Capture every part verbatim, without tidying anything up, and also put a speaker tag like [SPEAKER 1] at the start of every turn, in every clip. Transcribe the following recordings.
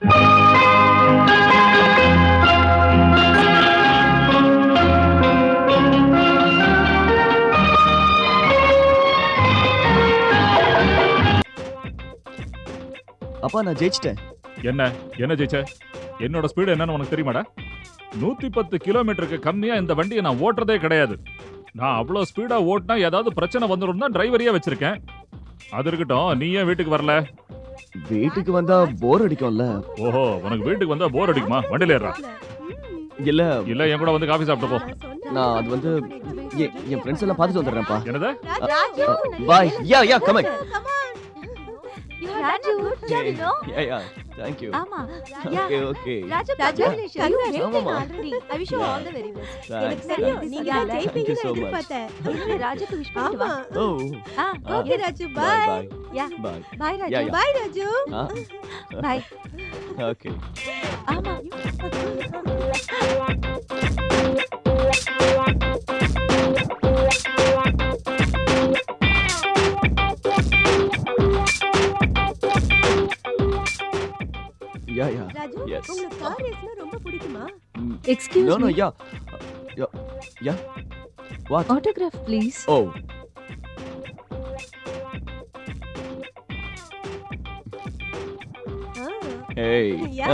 [SPEAKER 1] அப்பா நான் ஜெயிச்சிட்டேன்.
[SPEAKER 2] என்ன என்ன ஜெயிச்ச? என்னோட ஸ்பீடு என்னன்னு உனக்கு தெரியுமாடா? நூத்தி பத்து கிலோமீட்டருக்கு கம்மியா இந்த வண்டியை நான் ஓட்டுறதே கிடையாது. நான் அவ்வளவு ஸ்பீடா ஓட்டினா ஏதாவது பிரச்சனை வந்துடும் தான் டிரைவரையே வச்சிருக்கேன். அது இருக்கட்டும், நீ ஏன் வீட்டுக்கு வரல?
[SPEAKER 1] வீட்டுக்கு வந்தா போர் அடிக்கும்ல.
[SPEAKER 2] ஓஹோ, உனக்கு வீட்டுக்கு வந்தா போர் அடிக்குமா? வண்டியில ஏறா.
[SPEAKER 1] இல்ல
[SPEAKER 2] இல்ல என் கூட வந்து காஃபி சாப்பிட்டு போ.
[SPEAKER 1] நான் அது வந்து எ- என் ஃப்ரெண்ட்ஸ் எல்லாம் பார்த்துட்டு வந்துடுறேன்ப்பா.
[SPEAKER 2] என்னது?
[SPEAKER 1] Bye. Yeah yeah come on.
[SPEAKER 3] Raju, you know?
[SPEAKER 1] Yeah yeah thank you.
[SPEAKER 3] ஆமா.
[SPEAKER 1] Okay okay.
[SPEAKER 3] Raju,
[SPEAKER 4] Raju,
[SPEAKER 3] congratulations. You made it
[SPEAKER 1] ஆமாமா.
[SPEAKER 3] already. I wish you
[SPEAKER 1] Yeah.
[SPEAKER 3] all the very best.
[SPEAKER 1] Thanks,
[SPEAKER 3] எனக்கு தெரியும்,
[SPEAKER 1] thanks.
[SPEAKER 3] நீங்க
[SPEAKER 4] நீங்க
[SPEAKER 3] தான்
[SPEAKER 4] தான்
[SPEAKER 1] Thank you so
[SPEAKER 4] ஜெயிப்பீங்கன்னு
[SPEAKER 1] much.
[SPEAKER 4] எதிர்பார்த்தேன்.
[SPEAKER 3] இரு, ராஜுக்கு விஷ் பண்ணிட்டு
[SPEAKER 4] ஆமா.
[SPEAKER 3] வா.
[SPEAKER 1] ஓ
[SPEAKER 3] ஆ,
[SPEAKER 1] ஆ.
[SPEAKER 4] Okay Raju,
[SPEAKER 1] bye
[SPEAKER 4] bye.
[SPEAKER 1] Bye.
[SPEAKER 3] Yeah.
[SPEAKER 1] Bye.
[SPEAKER 3] Bye,
[SPEAKER 1] yeah
[SPEAKER 3] Raju.
[SPEAKER 1] Yeah.
[SPEAKER 4] Bye Raju.
[SPEAKER 1] ஆ
[SPEAKER 3] Bye.
[SPEAKER 1] ஓகே.
[SPEAKER 3] ஆமா.
[SPEAKER 1] Yeah yeah.
[SPEAKER 4] ராஜு,
[SPEAKER 1] Yes.
[SPEAKER 4] உங்களுக்கு கார் ரேஸ்னா ரொம்ப பிடிக்குமா?
[SPEAKER 5] Excuse
[SPEAKER 1] No no
[SPEAKER 5] me.
[SPEAKER 1] Yeah. Yeah. Yeah. What?
[SPEAKER 5] Autograph, please.
[SPEAKER 1] Oh.
[SPEAKER 4] Ah.
[SPEAKER 1] Hey.
[SPEAKER 4] யா.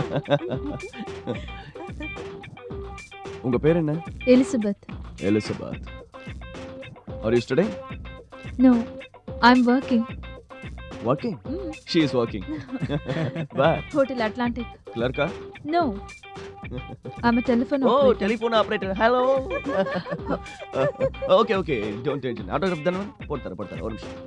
[SPEAKER 1] உங்க பேர் என்ன?
[SPEAKER 5] Elizabeth.
[SPEAKER 1] Elizabeth. Are you studying?
[SPEAKER 5] No, I'm working.
[SPEAKER 1] Working?
[SPEAKER 5] Mm.
[SPEAKER 1] She is working. Where?
[SPEAKER 5] Hotel Atlantic.
[SPEAKER 1] Clerk?
[SPEAKER 5] No, I'm a telephone
[SPEAKER 1] Oh,
[SPEAKER 5] operator.
[SPEAKER 1] telephone operator. Hello. uh, okay, okay. Don't tension. Autograph தான? போட்டு தரேன், போட்டு தரேன். ஒரு நிமிஷம்.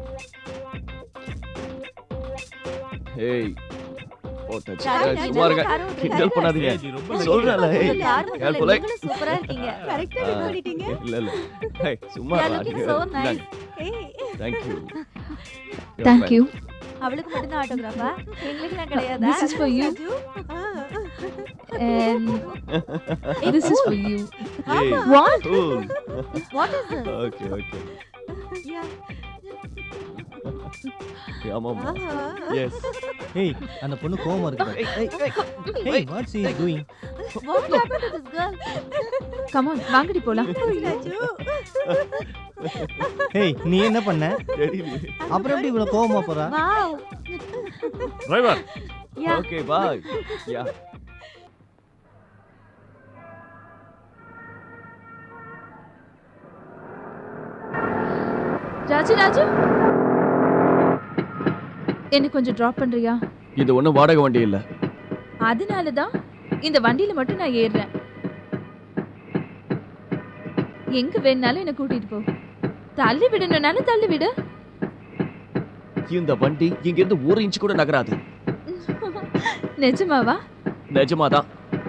[SPEAKER 1] Hey. போட்டாச்சு.
[SPEAKER 3] ராஜு,
[SPEAKER 1] ஏய்,
[SPEAKER 3] ராஜு,
[SPEAKER 1] சும்மா இருங்க.
[SPEAKER 3] கார் ஓட்டுறீங்க.
[SPEAKER 1] கிண்டல் பண்ணாதீங்க.
[SPEAKER 2] ஏய், நீ ரொம்ப
[SPEAKER 1] சொல்றேன்ல, hey.
[SPEAKER 3] உங்க கார் ஓட்டுறதுல
[SPEAKER 1] Careful, hey.
[SPEAKER 3] நீங்களும் சூப்பரா இருக்கீங்க.
[SPEAKER 4] கரெக்டா
[SPEAKER 1] ஆ.
[SPEAKER 4] வின் பண்ணிட்டீங்க.
[SPEAKER 1] இல்ல இல்ல. Hey, சும்மா
[SPEAKER 3] You are
[SPEAKER 1] இருடா.
[SPEAKER 3] looking so nice.
[SPEAKER 4] ஏய்.
[SPEAKER 1] Thank you.
[SPEAKER 5] Thank you.
[SPEAKER 3] அவளுக்கு மட்டும் தான் ஆட்டோகிராஃபா? எங்களுக்குலாம் கிடையாதா?
[SPEAKER 5] This is for you
[SPEAKER 4] Raju. Ah.
[SPEAKER 5] and this is for you.
[SPEAKER 1] Hey.
[SPEAKER 5] What?
[SPEAKER 1] Cool.
[SPEAKER 3] What is this?
[SPEAKER 1] Okay, okay.
[SPEAKER 4] யா.
[SPEAKER 1] ஆமாமா.
[SPEAKER 4] ஆஹா.
[SPEAKER 1] Yes.
[SPEAKER 6] ஏய் அந்த பொண்ணு கோவமா இருக்குடா.
[SPEAKER 1] Hey, hey, hey.
[SPEAKER 6] Hey what's he doing?
[SPEAKER 3] What happened to this girl?
[SPEAKER 5] Come on, வாங்கடி போலாம்.
[SPEAKER 4] ராஜு.
[SPEAKER 6] ஏய் நீ என்ன பண்ண?
[SPEAKER 1] தெரியலையே.
[SPEAKER 6] அப்புறம் எப்படி இவ்வளவு கோவமா போறா?
[SPEAKER 3] Wow.
[SPEAKER 2] Driver,
[SPEAKER 3] Yeah.
[SPEAKER 1] Okay, bye. Yeah.
[SPEAKER 5] Raju Raju, என்ன கொஞ்சம் டிராப் பண்றியா?
[SPEAKER 1] இது ஒண்ணும் வாடகை வண்டி இல்ல.
[SPEAKER 5] அதனால தான் இந்த வண்டியில மட்டும் நான் ஏறுறேன். எங்க வேணாலும் என்ன கூட்டிட்டு போ. தள்ளி விடணும்னாலும் தள்ளி விடு.
[SPEAKER 1] இந்த வண்டி இங்க இருந்து ஒரு இன்ச் கூட நகராது.
[SPEAKER 5] நிஜமாவா?
[SPEAKER 1] நிஜமாதான்.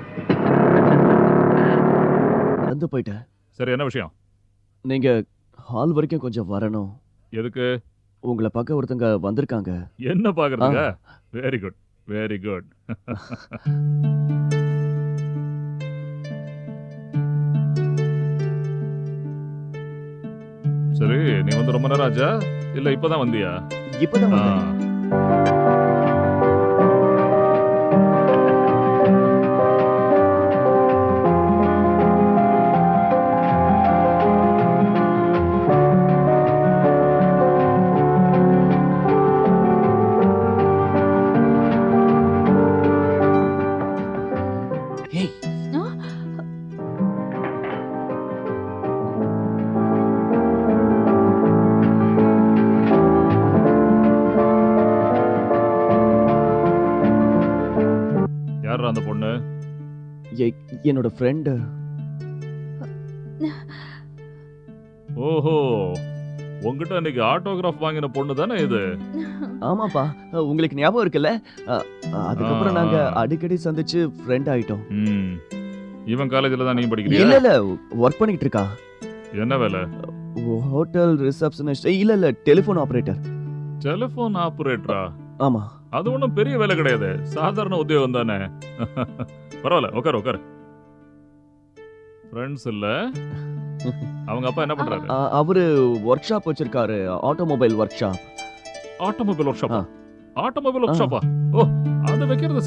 [SPEAKER 1] வந்து போயிட்டேன்.
[SPEAKER 2] சரி என்ன விஷயம்?
[SPEAKER 1] நீங்க ஹால் வரைக்கும் கொஞ்சம் வரணும்.
[SPEAKER 2] எதுக்கு?
[SPEAKER 1] உங்களை பார்க்க ஒருத்தங்க வந்திருக்காங்க.
[SPEAKER 2] என்ன பாக்குறதுங்க? Very good, very good. சரி, நீ வந்து ரொம்ப நேரம் ஆச்சா? இல்ல இப்பதான் வந்தியா?
[SPEAKER 1] இப்பதான்
[SPEAKER 2] ஆ.
[SPEAKER 1] வந்தேன். ஏய்,
[SPEAKER 2] யாரா அந்த பொண்ணு?
[SPEAKER 1] எ- என்னோட ஃப்ரெண்ட்.
[SPEAKER 2] ஓஹோ, உங்ககிட்ட இன்னைக்கு ஆட்டோகிராஃப் வாங்கின பொண்ணு தானே இது?
[SPEAKER 1] ஆமாப்பா, உங்களுக்கு ஞாபகம் இருக்குல்ல? அ, அதுக்கப்புறம்
[SPEAKER 2] ஆ.
[SPEAKER 1] நாங்க அடிக்கடி சந்திச்சு ஃப்ரெண்ட் ஆயிட்டோம்.
[SPEAKER 2] ம். இவன் காலேஜ்ல தான் நீ படிக்கிறியா?
[SPEAKER 1] இல்ல இல்ல, ஒர்க் பண்ணிட்டு இருக்கா.
[SPEAKER 2] என்ன வேலை?
[SPEAKER 1] Hotel receptionist. இல்ல இல்ல, டெலிஃபோன் ஆபரேட்டர்.
[SPEAKER 2] டெலிபோன் ஆபரேட்டரா?
[SPEAKER 1] ஆமா.
[SPEAKER 2] அது ஒண்ணும் பெரிய வேலை கிடையாது, சாதாரண உத்தியோகம் தானே. பரவாயில்ல, உட்காரு உட்காரு. ஃப்ரெண்ட்ஸ் இல்ல? அவங்க அப்பா என்ன பண்றாரு?
[SPEAKER 1] அ, அவரு ஒர்க் ஷாப் வச்சிருக்காரு, ஆட்டோமொபைல் ஒர்க் ஷாப்.
[SPEAKER 2] ஆட்டோமொபைல் ஒர்க் ஷாப்பா?
[SPEAKER 1] ஆ.
[SPEAKER 2] ஆட்டோமொபைல் ஒர்க்
[SPEAKER 1] ஆ.
[SPEAKER 2] ஷாப்பா? ஓ, அது வைக்கிறது